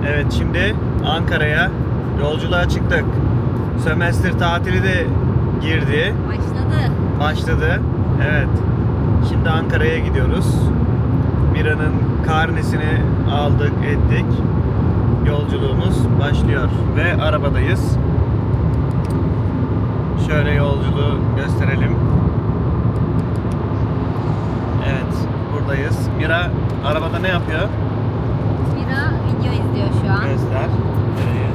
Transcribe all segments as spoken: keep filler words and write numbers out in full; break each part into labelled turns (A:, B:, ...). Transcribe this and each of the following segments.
A: Evet, şimdi Ankara'ya yolculuğa çıktık. Sömestr tatili de girdi.
B: Başladı.
A: Başladı. Evet. Şimdi Ankara'ya gidiyoruz. Mira'nın karnesini aldık, ettik. Yolculuğumuz başlıyor ve arabadayız. Şöyle yolculuğu gösterelim. Evet, buradayız. Mira arabada ne yapıyor?
B: Mira video izliyor şu an.
A: Göster. Nereye?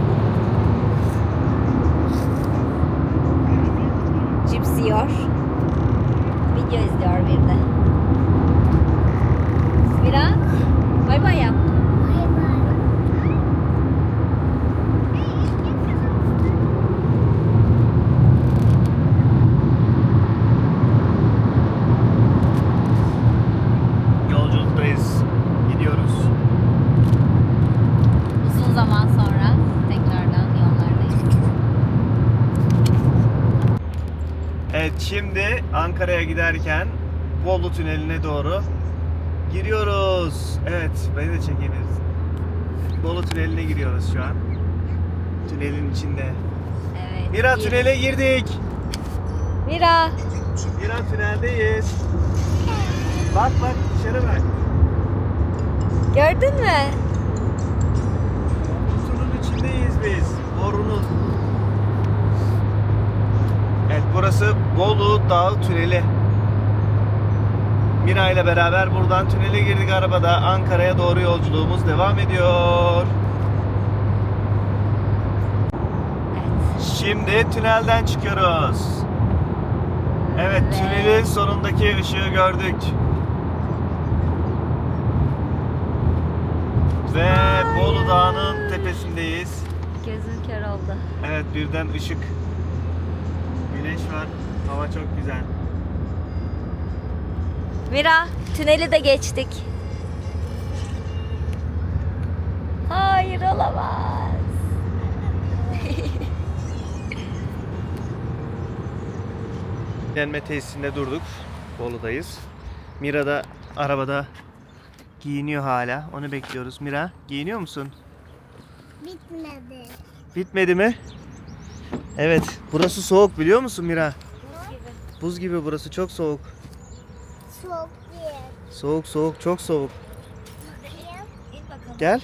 B: Cips yiyor. Video izliyor bir de. Mira, bay bay yap.
A: Yolculuktayız. Gidiyoruz.
B: Uzun zaman sonra tekrardan yollardayız.
A: Evet, şimdi Ankara'ya giderken Bolu Tüneli'ne doğru giriyoruz. Evet, beni de çekebiliriz. Bolu Tüneli'ne giriyoruz şu an. Tünelin içinde.
B: Evet.
A: Mira,
B: gir.
A: tünele girdik.
B: Mira.
A: Mira, tüneldeyiz. Bak bak, dışarı bak.
B: Gördün mü?
A: Kutunun içindeyiz biz. Borunun. Evet, burası Bolu Dağı Tüneli. Mira ile beraber buradan tünele girdik arabada. Ankara'ya doğru yolculuğumuz devam ediyor.
B: Evet.
A: Şimdi tünelden çıkıyoruz. Evet,
B: Evet.
A: tünelin sonundaki ışığı gördük. Ve Bolu Dağı'nın tepesindeyiz.
B: Gözüm kör oldu.
A: Evet, birden ışık. Güneş var. Hava çok güzel.
B: Mira, tüneli de geçtik. Hayır, olamaz.
A: Dinlenme tesisinde durduk. Bolu'dayız. Mira da arabada giyiniyor hala. Onu bekliyoruz. Mira, giyiniyor musun?
C: Bitmedi.
A: Bitmedi mi? Evet. Burası soğuk, biliyor musun Mira?
B: Buz gibi.
A: Buz gibi burası, çok soğuk.
C: Çok iyi.
A: Soğuk soğuk, çok soğuk.
B: İn bakalım.
A: Gel.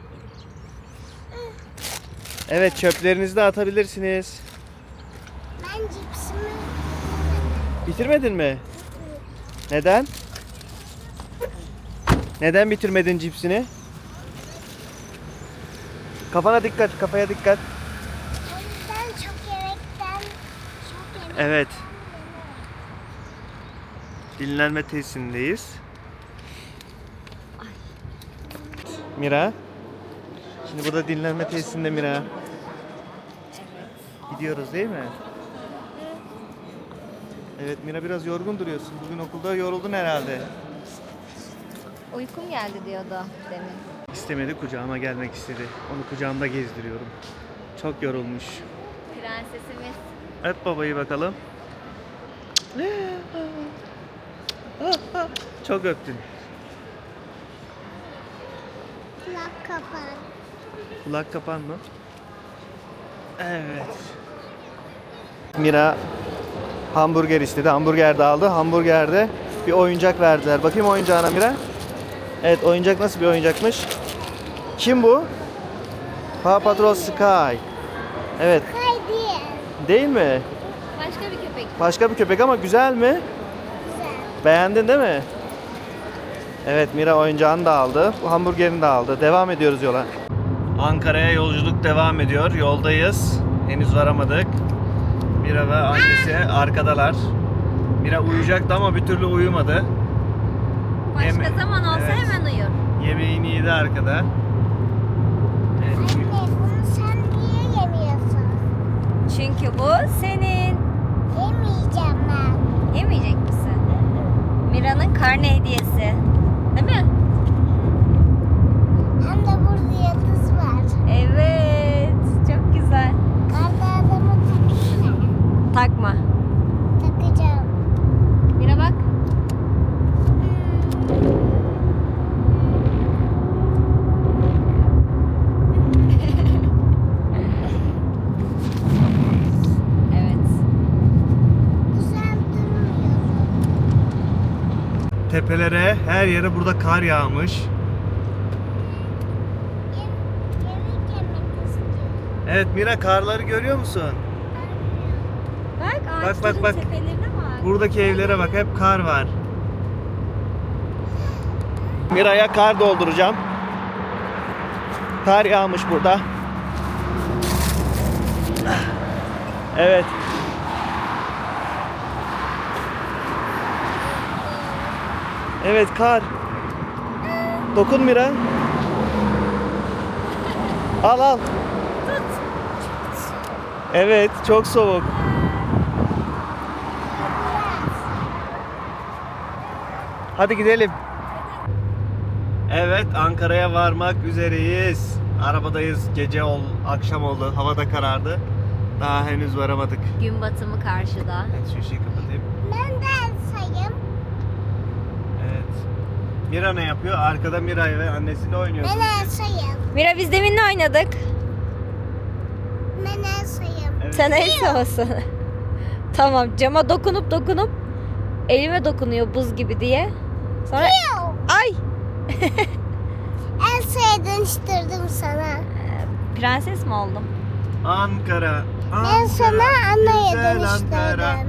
A: Evet, çöplerinizi de atabilirsiniz.
C: Ben cipsimi
A: Bitirmedin mi? Neden? Neden bitirmedin cipsini? Kafana dikkat, kafaya dikkat.
C: o yüzden çok yemekten çok yemek
A: Evet. Dinlenme tesisindeyiz. Mira. Şimdi burada dinlenme tesisinde Mira. Gidiyoruz değil mi? Evet Mira, biraz yorgun duruyorsun. Bugün okulda yoruldun herhalde.
B: Uykum geldi diyordu demin.
A: İstemedi, kucağıma gelmek istedi. Onu kucağımda gezdiriyorum. Çok yorulmuş.
B: Prensesimiz.
A: Öp babayı bakalım. Çok öptün.
C: kulak kapan.
A: Kulak kapan mı? Evet. Mira hamburger istedi. Hamburger de aldı. Hamburgerde bir oyuncak verdiler. Bakayım oyuncağına Mira. Evet, oyuncak nasıl bir oyuncakmış? Kim bu? Paw Patrol Sky. Evet.
C: Haydi.
A: Değil mi?
B: Başka bir köpek.
A: Başka bir köpek ama güzel mi?
C: Güzel.
A: Beğendin değil mi? Evet, Mira oyuncağını da aldı. Bu hamburgerini de aldı. Devam ediyoruz yola. Ankara'ya yolculuk devam ediyor. Yoldayız. Henüz varamadık. Mira ve annesi arkadalar. Mira uyuyacaktı ama bir türlü uyumadı.
B: Başka
A: Yeme-
B: zaman olsa
A: Evet.
B: hemen uyur.
A: Yemeğini yedi arkada. Evet.
C: Anne bunu sen niye yemiyorsun?
B: Çünkü bu senin.
C: Yemeyeceğim ben.
B: Yemeyecek misin? Mira'nın karne hediyesi. Değil mi?
C: Hem de burada yıldız var.
B: Evet. Çok güzel.
C: Karda adamı taksana.
B: Takma.
C: Takacağım.
B: Mira bak.
A: tepelere, her yere burada kar yağmış.
C: Yem- Yemek yemek istiyorum.
A: Evet Mira, karları görüyor musun?
B: Bak
A: bak,
B: ağaçların
A: bak.
B: tepelerine bak.
A: Buradaki evlere bak, hep kar var. Mira'ya kar dolduracağım. Kar yağmış burada. Evet. Evet, kar. Dokun Mira. Al al. Evet, çok soğuk. Hadi gidelim. Evet, Ankara'ya varmak üzereyiz. Arabadayız. Gece ol, akşam oldu. Hava da karardı. Daha henüz varamadık.
B: Gün batımı karşıda.
A: Evet, şu ışığı kapatayım.
C: Ben de sayayım.
A: Evet. Mira ne yapıyor? Arkada Mira ve annesiyle oynuyor.
C: Ben de sayayım.
B: Mira biz deminle oynadık.
C: Ben de sayayım.
A: Evet.
B: Sen el savasın. Tamam, cama dokunup dokunup elime dokunuyor buz gibi diye. Sonra
C: Piu!
B: ay
C: Elsa'ya dönüştürdüm sana.
B: prenses mi oldum?
A: Ankara. Ankara.
C: Ben sana Anna'ya
A: güzel Ankara.
C: dönüştürdüm.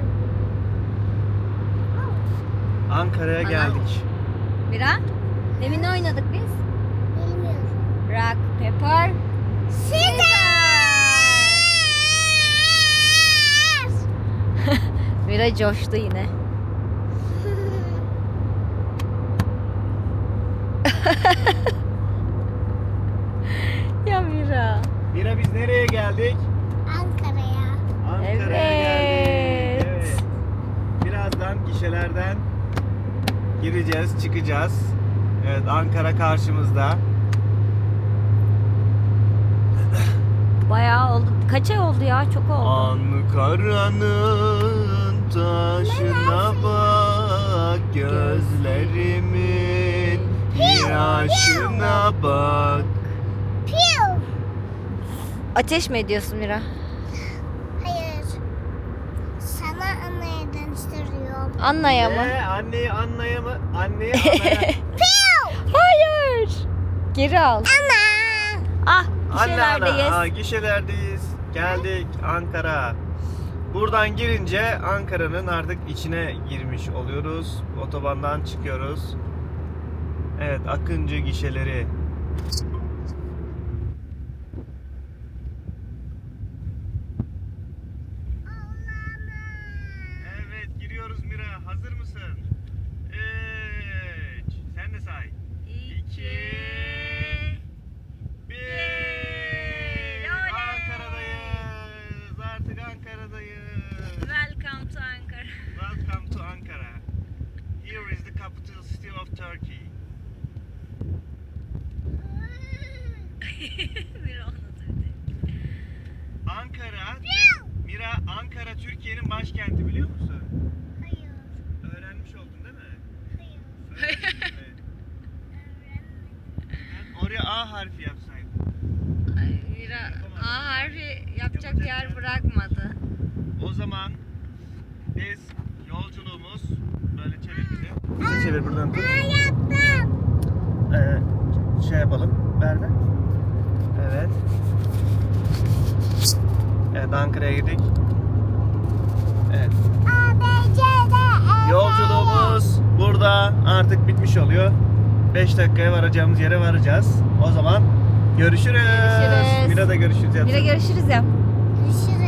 A: Ankara'ya
B: Ana.
A: geldik.
B: Mira demin ne oynadık biz?
C: Bilmiyorum.
B: Rock, paper, Mira coştu yine. Ya Mira.
A: Mira, biz nereye geldik?
C: Ankara'ya.
A: Ankara'ya
B: Evet.
A: geldik. Evet. Birazdan gişelerden gireceğiz, çıkacağız. Evet, Ankara karşımızda.
B: Bayağı oldu. Kaç ay oldu ya? Çok oldu.
A: Ankara'nın taşına bak, gözlerimin yaşına bak.
C: Piu!
B: Ateş mi ediyorsun Mira?
C: Hayır. Sana Anna'ya dönüştürüyorum.
B: Anna'ya mı?
A: Ne? Anneyi Anna'ya mı? Anneyi Anna'ya.
C: Piu!
B: Hayır. Geri al.
C: Anna!
B: Ah,
A: Anne ana.
B: gişelerdeyiz.
A: Aa, gişelerdeyiz. Geldik Ankara. Buradan girince Ankara'nın artık içine girmiş oluyoruz. Otobandan çıkıyoruz. Evet, Akıncı gişeleri. Evet, giriyoruz Mira. Hazır mısın? Üç. Sen de say. İki. Bir. Ankara'dayız. Artık Ankara'dayız.
B: Welcome to Ankara.
A: Welcome to Ankara. Here is the capital city of Turkey.
B: Mira anlatıyor.
A: Ankara, Mira, Ankara Türkiye'nin başkenti, biliyor musun?
C: Hayır.
A: Öğrenmiş oldun değil mi?
C: Hayır.
A: Öğrendin mi? Ben oraya A harfi yapsaydın.
B: Ay, Mira A harfi yapacak yer bırakmadı.
A: O zaman biz yolculuğumuz böyle çevir bizi. Bizi çevir buradan tut.
C: Ben yaptım.
A: Ee, şey yapalım. Ver ver. Evet. Evet, Ankara'ya girdik. Evet.
C: A, B, C, D, E,
A: Yolculuğumuz burada artık bitmiş oluyor. beş dakikaya varacağımız yere varacağız. O zaman görüşürüz.
B: Görüşürüz.
A: Mira da görüşürüz.
B: Mira görüşürüz yap.
C: Görüşürüz.